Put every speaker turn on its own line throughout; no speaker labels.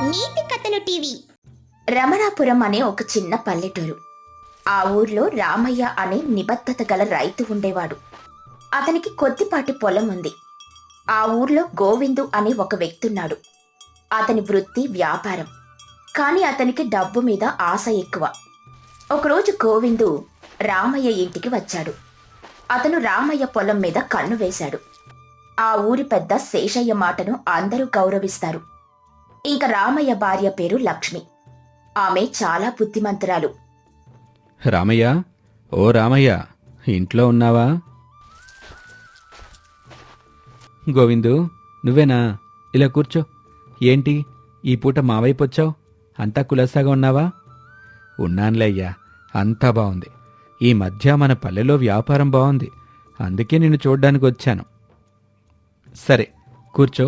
నీతి కథలు టీవీ. రమణాపురం అనే ఒక చిన్న పల్లెటూరు. ఆ ఊర్లో రామయ్య అనే నిబద్ధత గల రైతు ఉండేవాడు. అతనికి కొద్దిపాటి పొలం ఉంది. ఆ ఊర్లో గోవిందు అనే ఒక వ్యక్తున్నాడు. అతని వృత్తి వ్యాపారం. కాని అతనికి డబ్బు మీద ఆశ ఎక్కువ. ఒకరోజు గోవిందు రామయ్య ఇంటికి వచ్చాడు. అతను రామయ్య పొలం మీద కన్ను వేశాడు. ఆ ఊరి పెద్ద శేషయ్య మాటను అందరూ గౌరవిస్తారు. ఇంక రామయ్య భార్య పేరు లక్ష్మి. ఆమె చాలా బుద్ధిమంతురాలు.
రామయ్య, ఓ రామయ్య, ఇంట్లో ఉన్నావా? గోవిందు, నువ్వేనా? ఇలా కూర్చో. ఏంటి ఈ పూట మా వైపు వచ్చావు? అంతా కులాసాగా ఉన్నావా? ఉన్నానులే అయ్యా, అంతా బాగుంది. ఈ మధ్య మన పల్లెలో వ్యాపారం బాగుంది, అందుకే నిన్ను చూడ్డానికి వచ్చాను. సరే, కూర్చో.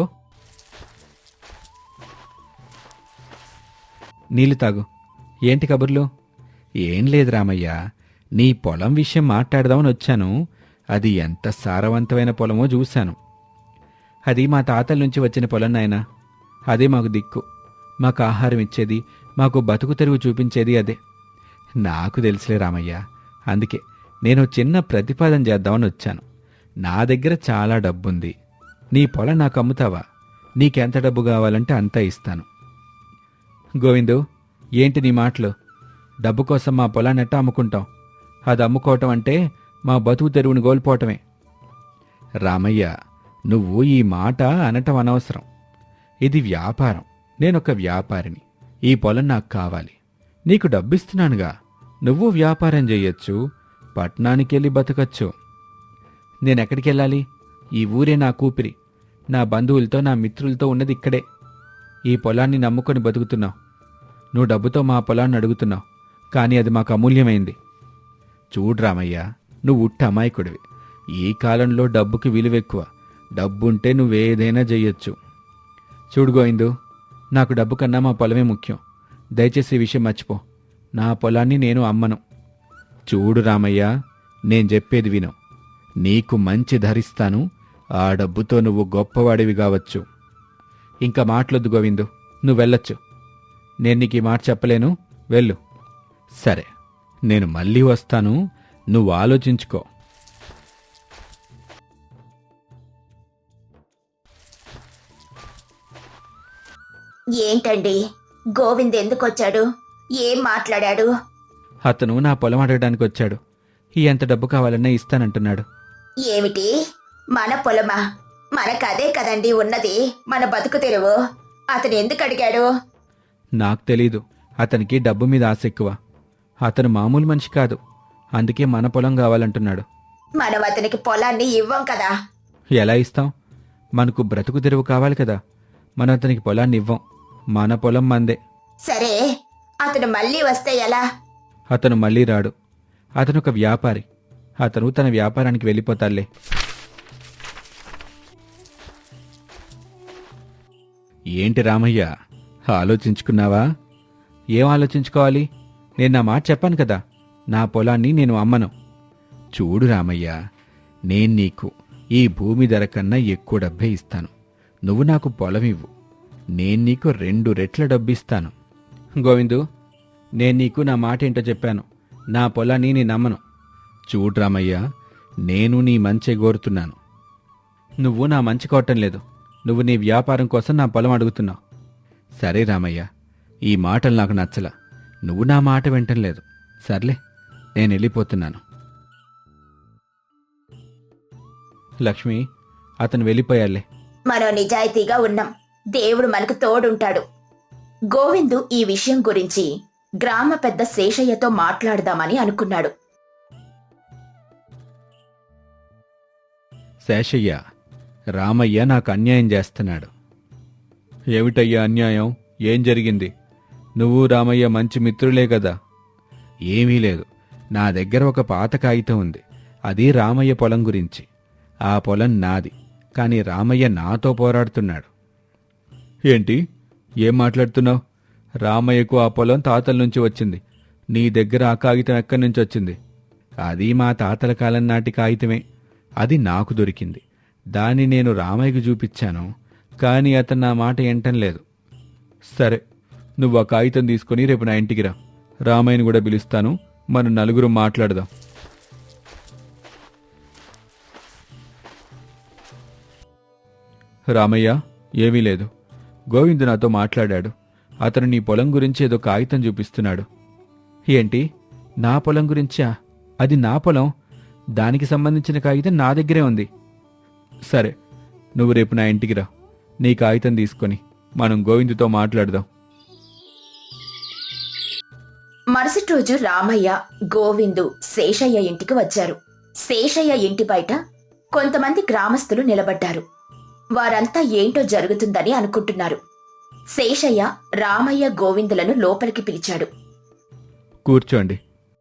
నీళ్ళు తాగు. ఏంటి కబుర్లు? ఏం లేదు రామయ్య, నీ పొలం విషయం మాట్లాడదామని వచ్చాను. అది ఎంత సారవంతమైన పొలమో చూశాను. అది మా తాతల నుంచి వచ్చిన పొలం నాయనా. అదే మాకు దిక్కు. మాకు ఆహారం ఇచ్చేది, మాకు బతుకు తెరువు చూపించేది అదే. నాకు తెలుసులే రామయ్య, అందుకే నేను చిన్న ప్రతిపాదన చేద్దామని వచ్చాను. నా దగ్గర చాలా డబ్బుంది. నీ పొలం నాకు అమ్ముతావా? నీకెంత డబ్బు కావాలంటే అంతా ఇస్తాను. గోవిందు, ఏంటి నీ మాటలు? డబ్బు కోసం మా పొలాన్ని ఎట్టా అమ్ముకుంటాం? అది అమ్ముకోవటం అంటే మా బతుకు తెరువుని కోల్పోవటమే. రామయ్య, నువ్వు ఈ మాట అనటం అనవసరం. ఇది వ్యాపారం. నేనొక వ్యాపారిని. ఈ పొలం నాకు కావాలి. నీకు డబ్బిస్తున్నానుగా. నువ్వు వ్యాపారం చెయ్యొచ్చు, పట్నానికెళ్ళి బతకచ్చు. నేనెక్కడికెళ్ళాలి? ఈ ఊరే నా కూపిరి. నా బంధువులతో, నా మిత్రులతో ఉన్నది ఇక్కడే. ఈ పొలాన్ని నమ్ముకొని బతుకుతున్నావు. నువ్వు డబ్బుతో మా పొలాన్ని అడుగుతున్నావు, కానీ అది మాకు అమూల్యమైంది. చూడు రామయ్య, నువ్వు ఉట్టి అమాయకుడివి. ఈ కాలంలో డబ్బుకి విలువెక్కువ. డబ్బుంటే నువ్వేదైనా చెయ్యొచ్చు. చూడు గోవిందు, నాకు డబ్బు కన్నా మా పొలమే ముఖ్యం. దయచేసి ఈ విషయం మర్చిపో. నా పొలాన్ని నేను అమ్మను. చూడు రామయ్య, నేను చెప్పేది విను. నీకు మంచి ధరిస్తాను. ఆ డబ్బుతో నువ్వు గొప్పవాడివి కావచ్చు. ఇంకా మాటలొద్దు గోవిందు, నువ్వు వెళ్ళొచ్చు. నేను నీకు ఈ మాట చెప్పలేను. వెళ్ళు. సరే, నేను మళ్ళీ వస్తాను. నువ్వు ఆలోచించుకో.
ఏంటండి, గోవింద్ ఎందుకొచ్చాడు? ఏం మాట్లాడాడు?
అతను నా పొలం అడగడానికి వచ్చాడు. ఎంత డబ్బు కావాలన్నా ఇస్తానంటున్నాడు.
ఏమిటి, మన పొలమా? మనకదే కదండి ఉన్నది, మన బతుకు తెరువు. అతను ఎందుకు అడిగాడు?
నాకు తెలీదు. అతనికి డబ్బు మీద ఆశ ఎక్కువ. అతను మామూలు మనిషి కాదు. అందుకే మన పొలం కావాలంటున్నాడు.
మనం అతనికి పొలాన్ని ఇవ్వం కదా.
ఎలా ఇస్తాం? మనకు బ్రతుకు తెరువు కావాలి కదా. మనం అతనికి పొలాన్ని ఇవ్వం. మన పొలం మందే.
సరే, అతను మళ్ళీ వస్తే ఎలా?
అతను మళ్ళీ రాడు. అతను ఒక వ్యాపారి. అతను తన వ్యాపారానికి వెళ్ళిపోతాడులే. ఏంటి రామయ్య, ఆలోచించుకున్నావా? ఏం ఆలోచించుకోవాలి? నేను నా మాట చెప్పాను కదా. నా పొలాన్ని నేను అమ్మను. చూడు రామయ్య, నేను నీకు ఈ భూమి ధర కన్నా ఎక్కువ డబ్బే ఇస్తాను. నువ్వు నాకు పొలం ఇవ్వు. నేను నీకు 2 రెట్ల డబ్బిస్తాను. గోవిందు, నేను నీకు నా మాట ఏంటో చెప్పాను. నా పొలాన్ని నేను అమ్మను. చూడు రామయ్య, నేను నీ మంచి కోరుతున్నాను. నువ్వు నా మంచి కోరటం లేదు. నువ్వు నీ వ్యాపారం కోసం నా పొలం అడుగుతున్నావు. సరే రామయ్య, ఈ మాటలు నాకు నచ్చలా. నువ్వు నా మాట వింటం లేదు. సర్లే, నేను వెళ్ళిపోతున్నాను. లక్ష్మి, అతను వెళ్ళిపోయాలే.
మనం నిజాయితీగా ఉన్నాం. దేవుడు మనకు తోడుంటాడు. గోవిందు ఈ విషయం గురించి గ్రామ పెద్ద శేషయ్యతో మాట్లాడదామని అనుకున్నాడు.
శేషయ్య, రామయ్య నాకు అన్యాయం చేస్తున్నాడు. ఏమిటయ్యా అన్యాయం? ఏం జరిగింది? నువ్వు రామయ్య మంచి మిత్రులే కదా. ఏమీ లేదు. నా దగ్గర ఒక పాత కాగితం ఉంది. అది రామయ్య పొలం గురించి. ఆ పొలం నాది, కానీ రామయ్య నాతో పోరాడుతున్నాడు. ఏంటి? ఏం మాట్లాడుతున్నావు? రామయ్యకు ఆ పొలం తాతల నుంచి వచ్చింది. నీ దగ్గర ఆ కాగితం ఎక్కడి నుంచి వచ్చింది? అది మా తాతల కాలం నాటి కాగితమే. అది నాకు దొరికింది. దాన్ని నేను రామయ్యకు చూపించాను, కానీ అతను నా మాట వింటం లేదు. సరే, నువ్వు ఆ కాగితం తీసుకుని రేపు నా ఇంటికి రా. రామయ్యని కూడా పిలుస్తాను, మనం నలుగురు మాట్లాడదాం. రామయ్య, ఏమీ లేదు. గోవిందు నాతో మాట్లాడాడు. అతను నీ పొలం గురించి ఏదో కాగితం చూపిస్తున్నాడు. ఏంటి, నా పొలం గురించా? అది నా పొలం, దానికి సంబంధించిన కాగితం నా దగ్గరే ఉంది. సరే, నువ్వు రేపు నా ఇంటికి రా. నీ కాగితం తీసుకొని మనం గోవిందుతో మాట్లాడదాం.
మరుసటి రోజు రామయ్య, గోవిందు శేషయ్య ఇంటికి వచ్చారు. శేషయ్య ఇంటి బయట కొంతమంది గ్రామస్తులు నిలబడ్డారు. వారంతా ఏంటో జరుగుతుందని అనుకుంటున్నారు. శేషయ్య రామయ్య, గోవిందులను లోపలికి పిలిచాడు.
కూర్చోండి.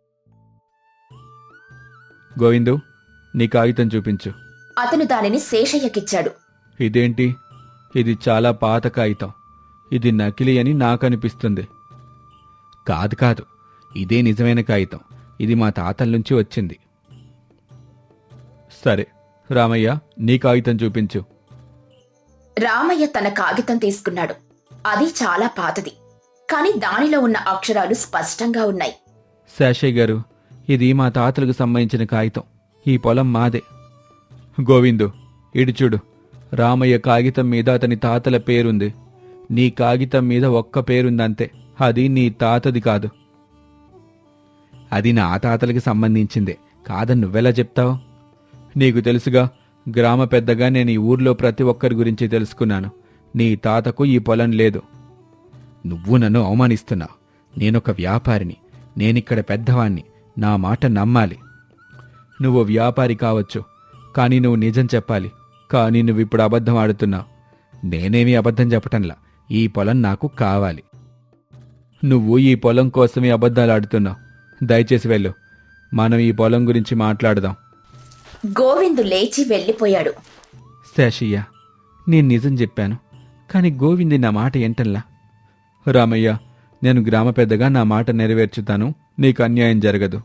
గోవిందు, నీ కాగితం చూపించు.
అతను దానిని శేషయ్యకిచ్చాడు.
ఇదేంటి? ఇది చాలా పాత కాగితం. ఇది నకిలీ అని నాకనిపిస్తుంది. కాదు కాదు, ఇదే నిజమైన కాగితం. ఇది మా తాతల నుంచి వచ్చింది. సరే రామయ్య, నీ కాగితం చూపించు.
రామయ్య తన కాగితం తీసుకున్నాడు. అది చాలా పాతది, కాని దానిలో ఉన్న అక్షరాలు స్పష్టంగా ఉన్నాయి.
శేషయ్య గారు, ఇది మా తాతలకు సంబంధించిన కాగితం. ఈ పొలం మాదే. గోవిందు, ఇటు చూడు. రామయ్య కాగితం మీద అతని తాతల పేరుంది. నీ కాగితం మీద ఒక్క పేరుందంతే. అది నీ తాతది కాదు. అది నా తాతలకి సంబంధించిందే కాదని నువ్వెలా చెప్తావు? నీకు తెలుసుగా, గ్రామ పెద్దగా నేను ఈ ఊర్లో ప్రతి ఒక్కరి గురించి తెలుసుకున్నాను. నీ తాతకు ఈ పొలం లేదు. నువ్వు నన్ను అవమానిస్తున్నావు. నేనొక వ్యాపారిని. నేనిక్కడ పెద్దవాణ్ణి. నా మాట నమ్మాలి. నువ్వు వ్యాపారి కావచ్చు, కానీ నువ్వు నిజం చెప్పాలి. కానీ నువ్విప్పుడు అబద్ధం ఆడుతున్నావు. నేనేమీ అబద్ధం చెప్పటంలా. ఈ పొలం నాకు కావాలి. నువ్వు ఈ పొలం కోసమే అబద్ధాలు ఆడుతున్నావు. దయచేసి వెళ్ళు. మనం ఈ పొలం గురించి మాట్లాడదాం.
గోవిందు లేచి వెళ్ళిపోయాడు.
శేషయ్య, నేను నిజం చెప్పాను, కాని గోవింది నా మాట ఏంటల్లా. రామయ్య, నేను గ్రామ పెద్దగా నా మాట నెరవేర్చుతాను. నీకు అన్యాయం జరగదు.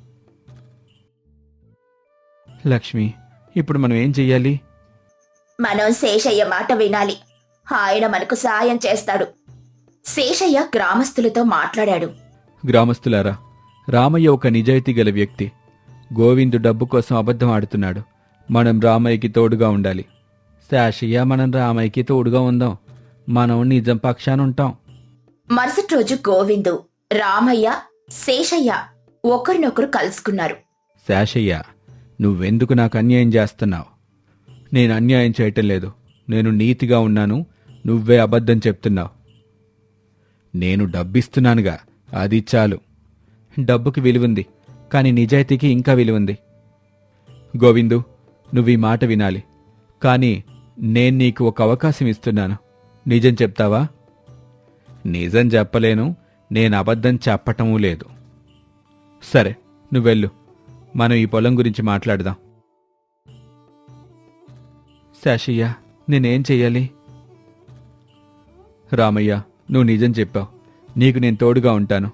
లక్ష్మి, ఇప్పుడు మనం ఏం చెయ్యాలి?
మనం శేషయ్య మాట వినాలి. ఆయన మనకు సాయం చేస్తాడు. శేషయ్య గ్రామస్తులతో మాట్లాడాడు.
గ్రామస్తులారా, రామయ్య ఒక నిజాయితీ గల వ్యక్తి. గోవిందు డబ్బు కోసం అబద్ధం ఆడుతున్నాడు. మనం రామయ్యకి తోడుగా ఉండాలి. శేషయ్య, మనం రామయ్యకి తోడుగా ఉందాం. మనం నిజం పక్షాన ఉంటాం.
మరుసటి రోజు గోవిందు, రామయ్య, శేషయ్య ఒకరినొకరు కలుసుకున్నారు.
శేషయ్య, నువ్వెందుకు నాకు అన్యాయం చేస్తున్నావు? నేను అన్యాయం చేయటం లేదు. నేను నీతిగా ఉన్నాను. నువ్వే అబద్ధం చెప్తున్నావు. నేను డబ్బిస్తున్నానుగా, అది చాలు. డబ్బుకి విలువుంది, కాని నిజాయితీకి ఇంకా విలువుంది. గోవిందు, నువ్వీ మాట వినాలి. కాని నేను నీకు ఒక అవకాశం ఇస్తున్నాను. నిజం చెప్తావా? నిజం చెప్పలేను. నేను అబద్ధం చెప్పటమూ లేదు. సరే, నువ్వెళ్ళు. మనం ఈ పొలం గురించి మాట్లాడదాం. శేషయ్య, నేనేం చెయ్యాలి? రామయ్య, నువ్వు నిజం చెప్పావు. నీకు నేను తోడుగా ఉంటాను.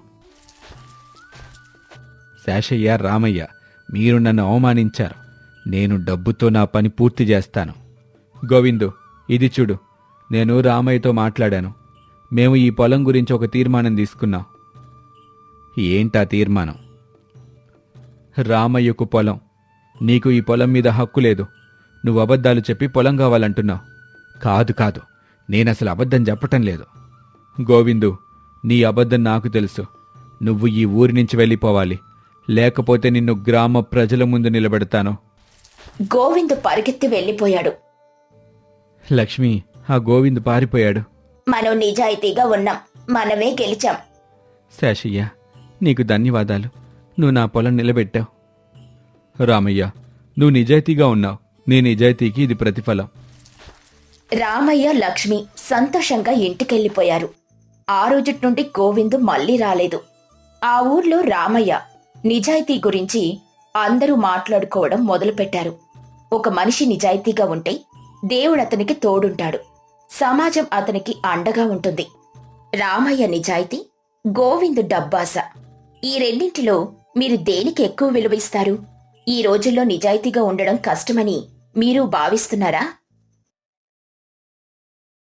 శేషయ్య, రామయ్య, మీరు నన్ను అవమానించారు. నేను డబ్బుతో నా పని పూర్తి చేస్తాను. గోవిందు, ఇది చూడు. నేను రామయ్యతో మాట్లాడాను. మేము ఈ పొలం గురించి ఒక తీర్మానం తీసుకున్నాం. ఏంటా తీర్మానం? రామయ్యకు పొలం. నీకు ఈ పొలం మీద హక్కు లేదు. నువ్వు అబద్ధాలు చెప్పి పొలం కావాలంటున్నావు. కాదు కాదు, నేనసలు అబద్ధం చెప్పటం లేదు. గోవిందు, నీ అబద్ధం నాకు తెలుసు. నువ్వు ఈ ఊరి నుంచి వెళ్ళిపోవాలి. లేకపోతే నిన్ను గ్రామ ప్రజల ముందు నిలబెడతాను.
గోవిందు పరిగెత్తి వెళ్ళిపోయాడు.
లక్ష్మి, ఆ గోవిందు పారిపోయాడు.
మనం నిజాయితీగా ఉన్నాం. మనమే గెలిచాం.
శేషయ్య, నీకు ధన్యవాదాలు. నువ్వు నా పొలం నిలబెట్టావు. రామయ్య, నువ్వు నిజాయితీగా ఉన్నావు. నీ నిజాయితీకి ఇది ప్రతిఫలం.
రామయ్య, లక్ష్మి సంతోషంగా ఇంటికెళ్ళిపోయారు. ఆ రోజుటి నుండి గోవిందు మళ్ళీ రాలేదు. ఆ ఊర్లో రామయ్య నిజాయితీ గురించి అందరూ మాట్లాడుకోవడం మొదలుపెట్టారు. ఒక మనిషి నిజాయితీగా ఉంటే దేవుడు అతనికి తోడుంటాడు. సమాజం అతనికి అండగా ఉంటుంది. రామయ్య నిజాయితీ, గోవిందు డబ్బాస. ఈ రెండింటిలో మీరు దేనికి ఎక్కువ విలువ ఇస్తారు? ఈ రోజుల్లో నిజాయితీగా ఉండడం కష్టమని మీరు భావిస్తున్నారా?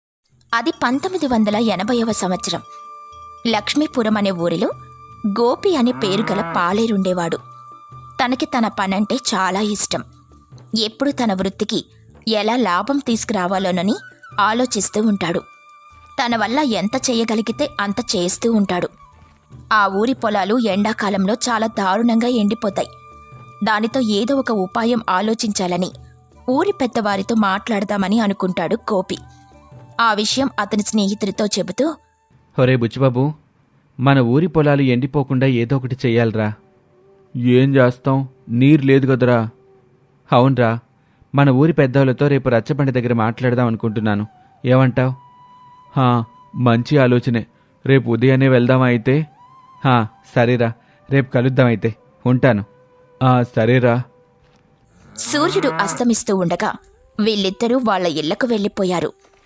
అది 1980వ సంవత్సరం. లక్ష్మీపురం అనే ఊరిలో గోపి అనే పేరు గల పాలేరుండేవాడు. తనకి తన పనంటే చాలా ఇష్టం. ఎప్పుడు తన వృత్తికి ఎలా లాభం తీసుకురావాలోనని ఆలోచిస్తూ ఉంటాడు. తన వల్ల ఎంత చేయగలిగితే అంత చేస్తూ ఉంటాడు. ఆ ఊరి పొలాలు ఎండాకాలంలో చాలా దారుణంగా ఎండిపోతాయి. దానితో ఏదో ఒక ఉపాయం ఆలోచించాలని ఊరి పెద్దవారితో మాట్లాడదామని అనుకుంటాడు గోపి. ఆ విషయం అతని స్నేహితుడితో చెబుతూ,
ఒరే బుచ్చిబాబు, మన ఊరి పొలాలు ఎండిపోకుండా ఏదో ఒకటి చెయ్యాలరా. ఏం చేస్తాం, నీరు లేదు కదరా. అవునరా, మన ఊరి పెద్దవాళ్ళతో రేపు రచ్చబండి దగ్గర మాట్లాడదాం అనుకుంటున్నాను. ఏమంటావ్? మంచి ఆలోచనే. రేపు ఉదయాన్నే వెళ్దామా అయితే? సరేరా, రేపు కలుద్దామైతే. ఉంటాను. సరేరా.
సూర్యుడు అస్తమిస్తూ ఉండగా వీళ్ళిద్దరూ వాళ్ళ ఇళ్లకు వెళ్ళిపోయారు.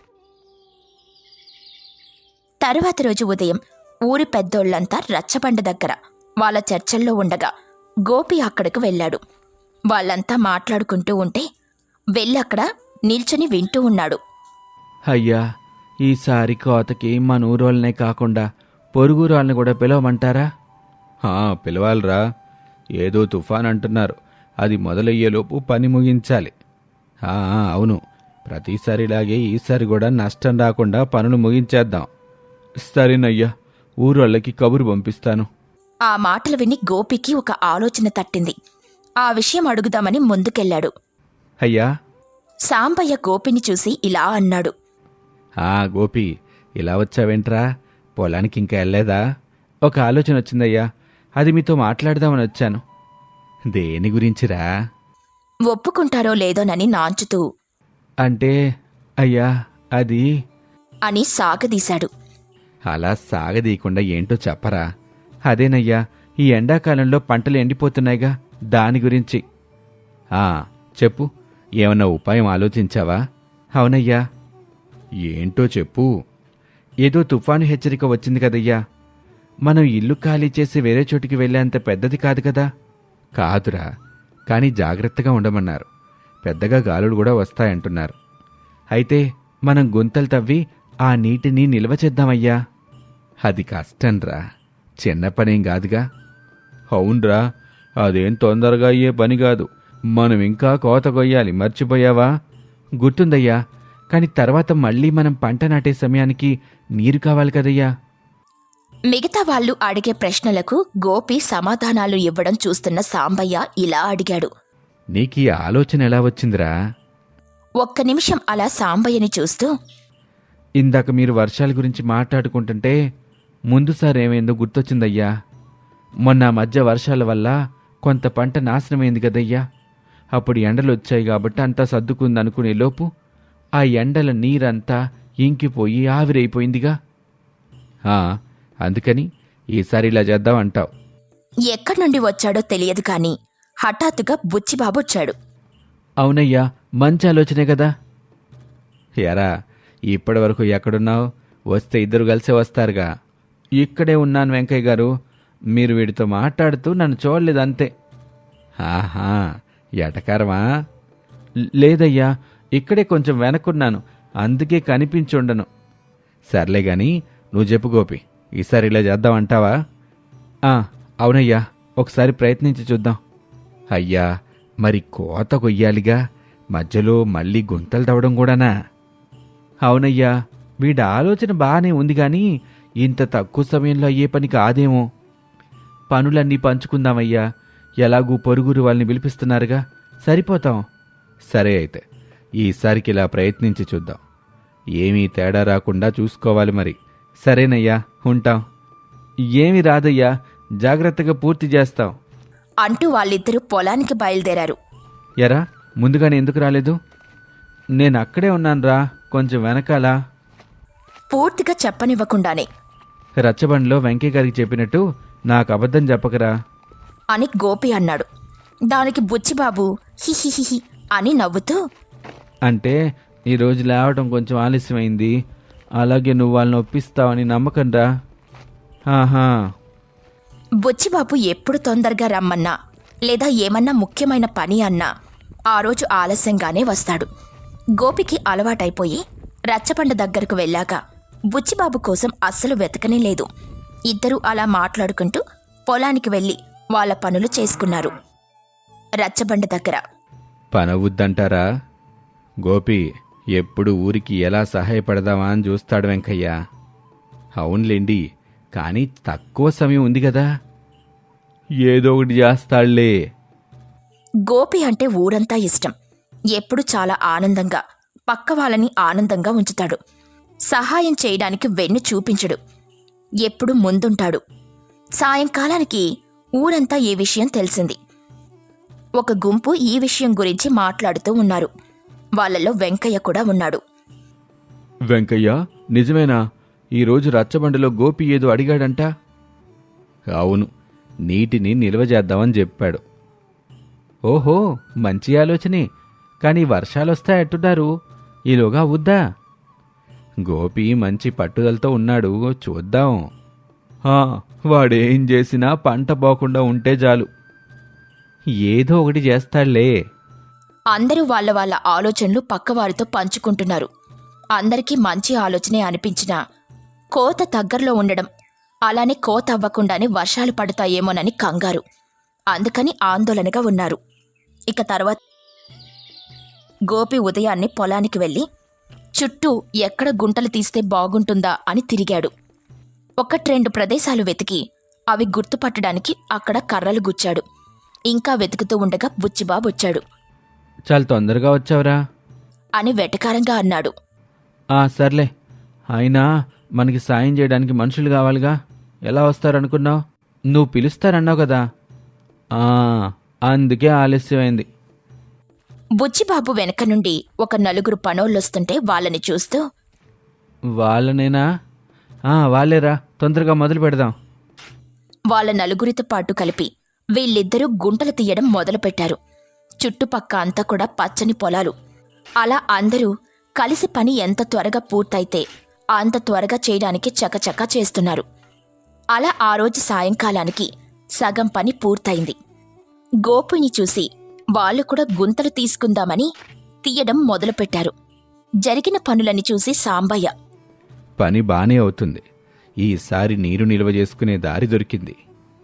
తరువాత రోజు ఉదయం ఊరి పెద్దోళ్లంతా రచ్చబండ దగ్గర వాళ్ళ చర్చల్లో ఉండగా గోపి అక్కడకు వెళ్ళాడు. వాళ్ళంతా మాట్లాడుకుంటూ ఉంటే వెళ్ళక్కడ నిల్చొని వింటూ ఉన్నాడు.
అయ్యా, ఈసారి కోతకి మన ఊరోళ్ళనే కాకుండా పొరుగురాళ్ళని కూడా పిలవమంటారా? పిలవాలరా. ఏదో తుఫాన్ అంటున్నారు, అది మొదలయ్యేలోపు పని ముగించాలి. అవును, ప్రతిసారిలాగే ఈసారి కూడా నష్టం రాకుండా పనులు ముగించేద్దాం. సరేనయ్యా, ఊరోళ్ళకి కబురు పంపిస్తాను.
ఆ మాటలు విని గోపికి ఒక ఆలోచన తట్టింది. ఆ విషయం అడుగుదామని ముందుకెళ్లాడు.
అయ్యా,
సాంబయ్య గోపిని చూసి ఇలా అన్నాడు.
గోపి, ఇలా వచ్చావేంట్రా? పొలానికి ఇంకా వెళ్ళలేదా? ఒక ఆలోచన వచ్చిందయ్యా, అది మీతో మాట్లాడదామని వచ్చాను. దేని గురించిరా?
ఒప్పుకుంటారో లేదోనని నాంచుతూ,
అంటే అయ్యా అది
అని సాగదీశాడు.
అలా సాగదీయకుండా ఏంటో చెప్పరా? అదేనయ్యా, ఈ ఎండాకాలంలో పంటలు ఎండిపోతున్నాయిగా, దాని గురించి. చెప్పు, ఏమన్నా ఉపాయం ఆలోచించావా? అవునయ్యా. ఏంటో చెప్పు. ఏదో తుఫాను హెచ్చరిక వచ్చింది కదయ్యా. మనం ఇల్లు ఖాళీ చేసి వేరే చోటికి వెళ్ళేంత పెద్దది కాదు కదా. కాదురా, కానీ జాగ్రత్తగా ఉండమన్నారు. పెద్దగా గాలులు కూడా వస్తాయంటున్నారు. అయితే మనం గుంతలు తవ్వి ఆ నీటిని నిల్వ చేద్దామయ్యా. అది కష్టంరా, చిన్న పనేం కాదుగా. అవునరా, అదేం తొందరగా అయ్యే పని కాదు. మనం ఇంకా కోత కొయ్యాలి, మర్చిపోయావా? గుర్తుందయ్యా, కాని తర్వాత మళ్ళీ మనం పంట నాటే సమయానికి నీరు కావాలి కదయ్యా.
మిగతా వాళ్ళు అడిగే ప్రశ్నలకు గోపి సమాధానాలు ఇవ్వడం చూస్తున్న సాంబయ్య ఇలా అడిగాడు.
నీకీ ఆలోచన ఎలా వచ్చిందిరా?
ఒక్క నిమిషం అలా సాంబయ్యని చూస్తూ,
ఇందాక మీరు వర్షాల గురించి మాట్లాడుకుంటుంటే ముందుసారి ఏమైందో గుర్తొచ్చిందయ్యా. మొన్న మధ్య వర్షాల వల్ల కొంత పంట నాశనమైంది కదయ్యా. అప్పుడు ఎండలొచ్చాయి కాబట్టి అంతా సర్దుకుందనుకునే లోపు ఆ ఎండల నీరంతా ఇంకిపోయి ఆవిరైపోయిందిగా. అందుకని ఈసారి ఇలా చేద్దామంటావు.
ఎక్కడి నుండి వచ్చాడో తెలియదు కాని హఠాత్తుగా బుచ్చిబాబు వచ్చాడు.
అవునయ్యా, మంచి ఆలోచనే కదా. ఎరా, ఇప్పటి వరకు ఎక్కడున్నావు? వస్తే ఇద్దరు కలిసే వస్తారుగా. ఇక్కడే ఉన్నాను వెంకయ్య గారు. మీరు వీడితో మాట్లాడుతూ నన్ను చూడలేదంతే. ఎటకారమా? లేదయ్యా, ఇక్కడే కొంచెం వెనక్కున్నాను, అందుకే కనిపించుండను. సర్లే గాని నువ్వు చెప్పు గోపి, ఈసారి ఇలా చేద్దామంటావా? అవునయ్యా, ఒకసారి ప్రయత్నించి చూద్దాం. అయ్యా, మరి కోత కొయ్యాలిగా, మధ్యలో మళ్ళీ గుంతలు తవ్వడం కూడానా? అవునయ్యా, వీడి ఆలోచన బాగానే ఉంది గాని ఇంత తక్కువ సమయంలో అయ్యే పని కాదేమో. పనులన్నీ పంచుకుందామయ్యా, ఎలాగూ పొరుగురు వాళ్ళని పిలిపిస్తున్నారుగా, సరిపోతాం. సరే అయితే ఈసారికి ఇలా ప్రయత్నించి చూద్దాం. ఏమీ తేడా రాకుండా చూసుకోవాలి మరి. సరేనయ్యా, ఉంటాం. ఏమీ రాదయ్యా, జాగ్రత్తగా పూర్తి చేస్తాం
అంటూ వాళ్ళిద్దరూ పొలానికి బయలుదేరారు.
ఎరా, ముందుగానే ఎందుకు రాలేదు? నేను అక్కడే ఉన్నానురా, కొంచెం వెనకాల.
పూర్తిగా చెప్పనివ్వకుండానే
రచ్చబండిలో వెంకయ్య గారికి చెప్పినట్టు నాకు అబద్ధం చెప్పకరా
అని గోపి అన్నాడు. దానికి బుచ్చిబాబు హిహిహిహి అని నవ్వుతూ,
అంటే ఈరోజు లేవటం కొంచెం ఆలస్యమైంది, అలాగే నువ్వు వాళ్ళని ఒప్పిస్తావని నమ్మకంరా.
బుచ్చిబాబు ఎప్పుడు తొందరగా రమ్మన్నా లేదా ఏమన్నా ముఖ్యమైన పని అన్నా ఆ రోజు ఆలస్యంగానే వస్తాడు. గోపికి అలవాటైపోయి రచ్చబండ దగ్గరకు వెళ్ళాక బుచ్చిబాబు కోసం అస్సలు వెతకనే లేదు. ఇద్దరూ అలా మాట్లాడుకుంటూ పొలానికి వెళ్ళి వాళ్ళ పనులు చేసుకున్నారు. రచ్చబండ దగ్గర
పనవుద్దంటారా? గోపి ఎప్పుడు ఊరికి ఎలా సహాయపడదామా అని చూస్తాడు వెంకయ్య. అవునులేండి, కానీ తక్కువ సమయం ఉంది కదా, ఏదో ఒకటి చేస్తాళ్లే.
గోపి అంటే ఊరంతా ఇష్టం. ఎప్పుడు చాలా ఆనందంగా పక్క వాళ్ళని ఆనందంగా ఉంచుతాడు. సహాయం చేయడానికి వెన్ను చూపించడు. ఎప్పుడు ముందుంటాడు. సాయంకాలానికి ఊరంతా ఈ విషయం తెలిసింది. ఒక గుంపు ఈ విషయం గురించి మాట్లాడుతూ ఉన్నారు. వాళ్ళలో వెంకయ్య కూడా ఉన్నాడు.
వెంకయ్య, నిజమేనా? ఈరోజు రచ్చబండలో గోపి ఏదో అడిగాడంట. అవును, నీటిని నిల్వ చేద్దామని చెప్పాడు. ఓహో, మంచి ఆలోచనే. కానీ వర్షాలొస్తాయట్టున్నారు, ఈలోగా అవుద్దా? గోపి మంచి పట్టుదలతో ఉన్నాడు, చూద్దాం. వాడేం చేసినా పంట పోకుండా ఉంటే చాలు. ఏదో ఒకటి చేస్తాళ్లే.
అందరూ వాళ్ళ వాళ్ళ ఆలోచనలు పక్కవారితో పంచుకుంటున్నారు. అందరికీ మంచి ఆలోచనే అనిపించినా కోత దగ్గరలో ఉండడం, అలానే కోత అవ్వకుండానే వర్షాలు పడతాయేమోనని కంగారు. అందుకని ఆందోళనగా ఉన్నారు. ఇక తర్వాత గోపి ఉదయాన్నే పొలానికి వెళ్ళి చుట్టూ ఎక్కడ గుంటలు తీస్తే బాగుంటుందా అని తిరిగాడు. 1-2 ప్రదేశాలు వెతికి అవి గుర్తుపట్టడానికి అక్కడ కర్రలు గుచ్చాడు. ఇంకా వెతుకుతూ ఉండగా బుచ్చిబాబు వచ్చాడు.
చాలా తొందరగా వచ్చావురా
అని వెటకారంగా అన్నాడు.
సర్లే, అయినా మనకి సాయం చేయడానికి మనుషులు కావాలిగా, ఎలా వస్తారనుకున్నావు? నువ్వు పిలుస్తారన్నావు కదా, అందుకే ఆలస్యమైంది.
బుచ్చిబాబు వెనక నుండి ఒక 4 పనోళ్ళొస్తుంటే వాళ్ళని చూస్తూ,
వాళ్ళనేనా? వాళ్ళేరా, తొందరగా మొదలు పెడదాం.
వాళ్ళ 4 పాటు కలిపి వీళ్ళిద్దరూ గుంటలు తీయడం మొదలుపెట్టారు. చుట్టుపక్క అంతా కూడా పచ్చని పొలాలు. అలా అందరూ కలిసి పని ఎంత త్వరగా పూర్తయితే అంత త్వరగా చేయడానికి చకచకా చేస్తున్నారు. అలా ఆ రోజు సాయంకాలానికి సగం పని పూర్తయింది. గోపుని చూసి వాళ్ళు కూడా గుంతలు తీసుకుందామని తీయడం మొదలుపెట్టారు. జరిగిన పనులని చూసి సాంబయ్య,
పని బానే అవుతుంది, ఈసారి నీరు నిల్వ చేసుకునే దారి దొరికింది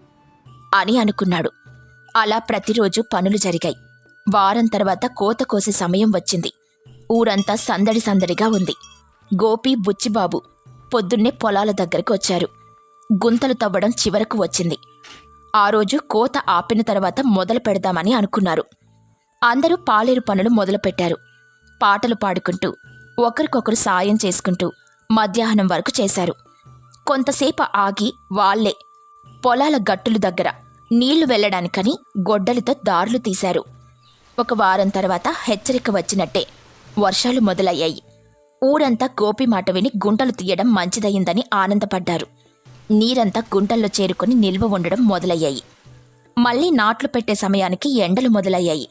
అని అనుకున్నాడు. అలా ప్రతిరోజు పనులు జరిగాయి. వారం తర్వాత కోత కోసే సమయం వచ్చింది. ఊరంతా సందడి సందడిగా ఉంది. గోపి, బుచ్చిబాబు పొద్దున్నే పొలాల దగ్గరకు వచ్చారు. గుంతలు తవ్వడం చివరకు వచ్చింది. ఆ రోజు కోత ఆపిన తర్వాత మొదలు పెడదామని అనుకున్నారు. అందరూ పాలేరు పనులు మొదలుపెట్టారు. పాటలు పాడుకుంటూ ఒకరికొకరు సాయం చేసుకుంటూ మధ్యాహ్నం వరకు చేశారు. కొంతసేపు ఆగి వాళ్లే పొలాల గట్టుల దగ్గర నీళ్లు వెళ్లడానికని గొడ్డలితో దారులు తీశారు. ఒక వారం తర్వాత హెచ్చరిక వచ్చినట్టే వర్షాలు మొదలయ్యాయి. ఊరంతా గోపి మాట విని గుంటలు తీయడం మంచిదయిందని ఆనందపడ్డారు. నీరంతా గుంటల్లో చేరుకుని నిల్వ ఉండడం మొదలయ్యాయి. మళ్లీ నాట్లు పెట్టే సమయానికి ఎండలు మొదలయ్యాయి.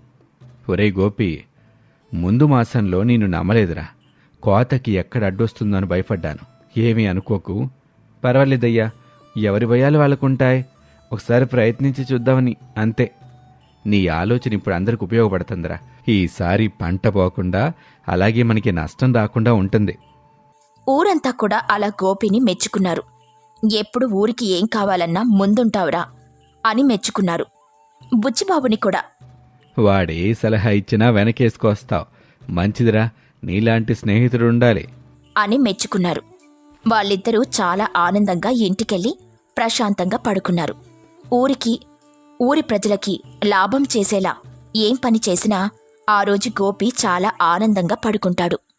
ఒరే గోపి, ముందు మాసంలో నేను నమ్మలేదురా. కోతకి ఎక్కడ అడ్డొస్తుందని భయపడ్డాను. ఏమీ అనుకోకు, పర్వాలేదయ్యా, ఎవరి భయాలు వాళ్ళకుంటాయి. ఒకసారి ప్రయత్నించి చూద్దామని, అంతే. నీ ఆలోచన ఇప్పుడు అందరికి ఉపయోగపడుతుందిరా. ఈసారి పంట పోకుండా అలాగే మనకి నష్టం రాకుండా ఉంటుంది.
ఊరంతా కూడా అలా గోపిని మెచ్చుకున్నారు. ఎప్పుడు ఊరికి ఏం కావాలన్నా ముందుంటావురా అని మెచ్చుకున్నారు. బుచ్చిబాబుని కూడా,
వాడే సలహా ఇచ్చినా వెనకేసుకొస్తావు, మంచిదిరా, నీలాంటి స్నేహితుడు ఉండాలి
అని మెచ్చుకున్నారు. వాళ్ళిద్దరూ చాలా ఆనందంగా ఇంటికెళ్ళి ప్రశాంతంగా పడుకున్నారు. ఊరి ప్రజలకి లాభం చేసేలా ఏం పని చేసినా ఆ రోజు గోపి చాలా ఆనందంగా పడుకుంటాడు.